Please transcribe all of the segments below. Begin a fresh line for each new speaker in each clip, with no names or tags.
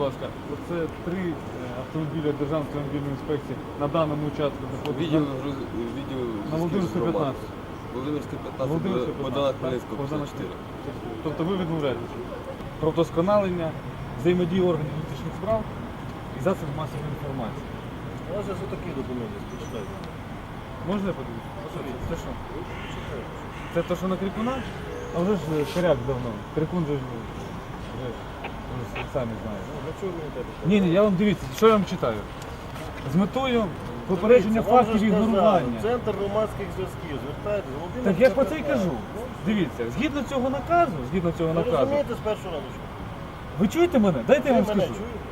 будь ласка, це 3 автомобіля Державної автомобільної інспекції на даному участку знаходяться на Володимирську 15.
Володимирська 15,
Володимирська
Богдана
15,
Хмельницького,
Богдана
54.
Тобто ви відмовляєтеся про вдосконалення, взаємодії органів внутрішніх справ і засобів масової інформації.
У нас же такі документи, почитайте.
Можна я подивитися? Це що? Це те, що на Крикуна? А вже ж коряк давно. Крикун же вже самі знаєте.
Для чого мені те?
Ні, я вам дивіться, що я вам читаю. З метою попередження
Дивіться, вам
фактів
же ж казали,
ігнорування.
Центр громадських зв'язків, звертайтесь, Володимир.
Так я ж про це й кажу. Дивіться, згідно цього наказу,
Ви розумієте з першого разу, що?
ви чуєте мене? Дайте я
Ви
вам
мене
скажу.
чуєте?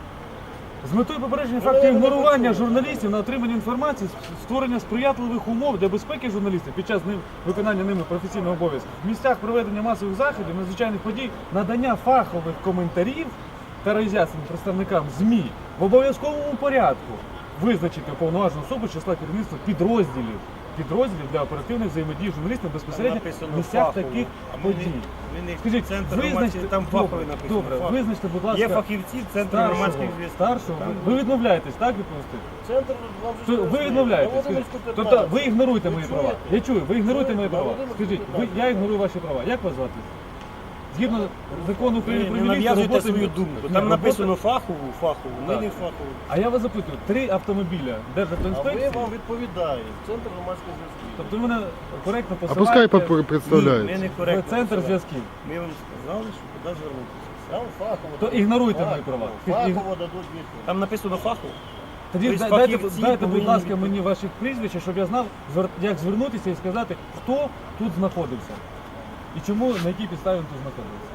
З метою попередження
Ну,
фактів
я не
ігнорування
почув.
журналістів на отримання інформації, створення сприятливих умов для безпеки журналістів під час виконання ними професійного обов'язку, в місцях проведення масових заходів, надзвичайних подій, надання фахових коментарів та роз'яснень представникам ЗМІ в обов'язковому порядку визначити уповноважену особу з числа керівництва підрозділів для оперативних взаємодій журналістів безпосередньо в місцях таких подій. Скажіть, визначте,
там фаховий написано.
добре,
фаховий.
визначте, будь ласка,
Є фахівці в Центрі громадських зв'язків.
старшого. Ви відмовляєтесь, так, відповісти?
Центр вам же
Ви
розуміє.
відмовляєтесь.
На
Скажіть,
Володимирську 15.
тобто ви ігноруєте
Ви
мої
чуєте?
права. Я чую, ви ігноруєте мої
На
права.
Володимирську
Скажіть,
15.
я ігнорую ваші права. Як вас звати? Згідно закону України
Ви
про
не
міліцію,
нав'язуйте
роботи-
свою думку.
Ні,
Там
робота-
написано фахову, ми
Так.
не фахову.
А я вас запитую, 3 автомобіля
А ви
Державтоінспекції,
вам відповідаєте. Центр громадських зв'язків.
тобто ви мене коректно
А
посилаєте
пускай
Ми
представляється.
не
в
коректно.
центр
посилаємо.
зв'язків.
Ми вам сказали, що куди звернутися. Там фахово.
То ігноруйте мої права.
Фахово дадуть відповідь. Там написано фахово.
Тоді
Тобто
дайте,
фахівці
будь
повинні
ласка,
відповідати.
мені ваші прізвища, щоб я знав, як звернутися і сказати, хто тут знаходився. І чому, на якій підставі він тут знаходився.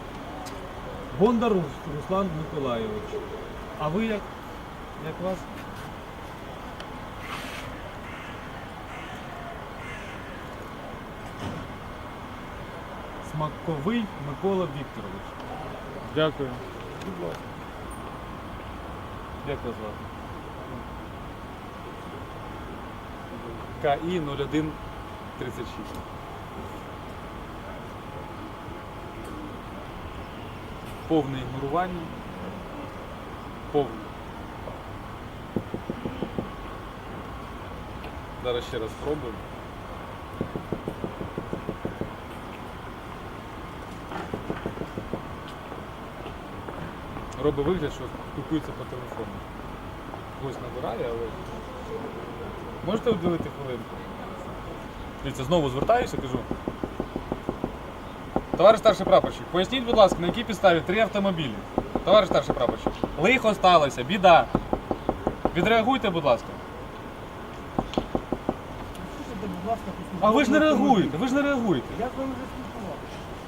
Бондар Руслан Миколайович. А ви як? Як вас? Смаковий Микола Вікторович. Дякую.
Будь ласка.
Як вас звати? КІ 0136. Повне ігнорування. Повне. Зараз ще раз спробуємо. Робить вигляд, що спілкується по телефону. Хтось набирає, але... Можете уділити хвилинку? Дивіться, знову звертаюся, кажу. Товариш старший прапорщик, поясніть, будь ласка, на якій підставі 3 автомобілі? Товариш старший прапорщик, лихо сталося, біда. Відреагуйте, будь ласка. А ви ж не реагуєте, ви ж не реагуєте.
Як вам вже спілкуватися?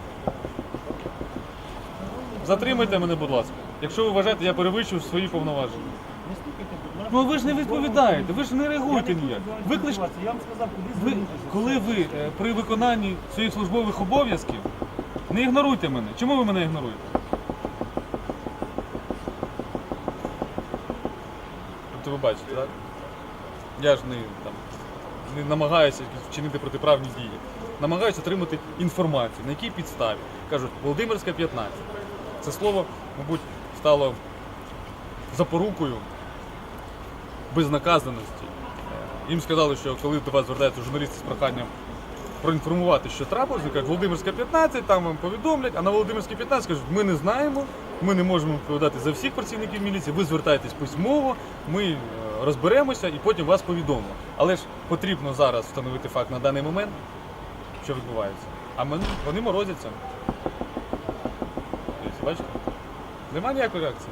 Затримайте мене, будь ласка. Якщо ви вважаєте, я перевищую свої повноваження.
Не стукайте, будь ласка.
Ну ви ж не відповідаєте, ви ж не реагуєте ніяк. Викличте.
Я вам сказав, куди
Ви,
звернутися.
коли ви при виконанні своїх службових обов'язків, не ігноруйте мене. Чому ви мене ігноруєте? Тобто ви бачите, так? Я ж не намагаюся вчинити протиправні дії. Намагаюся отримати інформацію, на якій підставі. Кажуть, Володимирська 15. Це слово, мабуть, стало запорукою безнаказаності. Їм сказали, що коли до вас звертаються журналісти з проханням проінформувати, що трапилось, вони кажуть, Володимирська 15, там вам повідомлять, а на Володимирській 15 кажуть, ми не знаємо, ми не можемо відповідати за всіх працівників міліції, ви звертайтесь письмово, ми розберемося і потім вас повідомимо. Але ж потрібно зараз встановити факт на даний момент, що відбувається. А вони морозяться. Тобто, бачите? Нема ніякої реакції.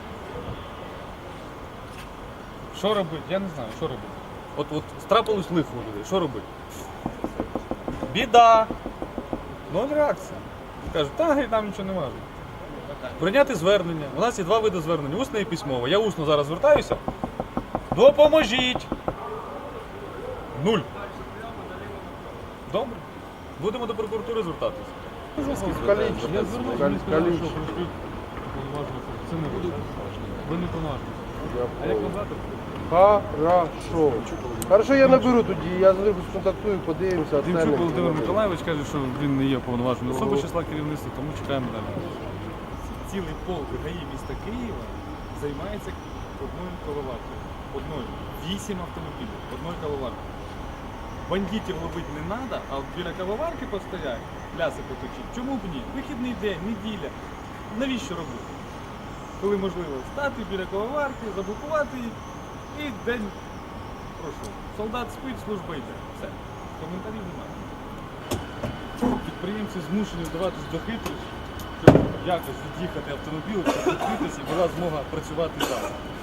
Що робити? Я не знаю, що робити. От трапилось лихо у людей, що робити? Біда! Ноль реакції. Кажуть, там нічого немає. Прийняти звернення. У нас є 2 види звернення, усне і письмове. Я усно зараз звертаюся. Допоможіть! 0. Добре. Будемо до прокуратури звертатися. Я звернувся, мені сказали, що прийшли уповноважені. Це не ви. Ви не повноважені. А як вам завтра?
Хорошо. Хорошо, я наберу тоді, я з ним сконтактую, подивимося.
Демчук Володимир Миколайович каже, що він не є повноваженою особою з числа керівництва, тому чекаємо далі. цілий полк ГАІ міста Києва займається одною кавоваркою. Одною. 8 автомобілів, одною кавоваркою. Бандитів ловити не треба, а от біля кавоварки постоять, пляси поточить. Чому б ні? Вихідний день, неділя. Навіщо робити? Коли можливо стати біля кавоварки, заблокувати її і день пройшов. Солдат спить, служба йде. Все. Коментарів немає. Підприємці змушені вдаватись до хитрощів, щоб якось від'їхати автомобілем, щоб відкритися і була змога працювати далі.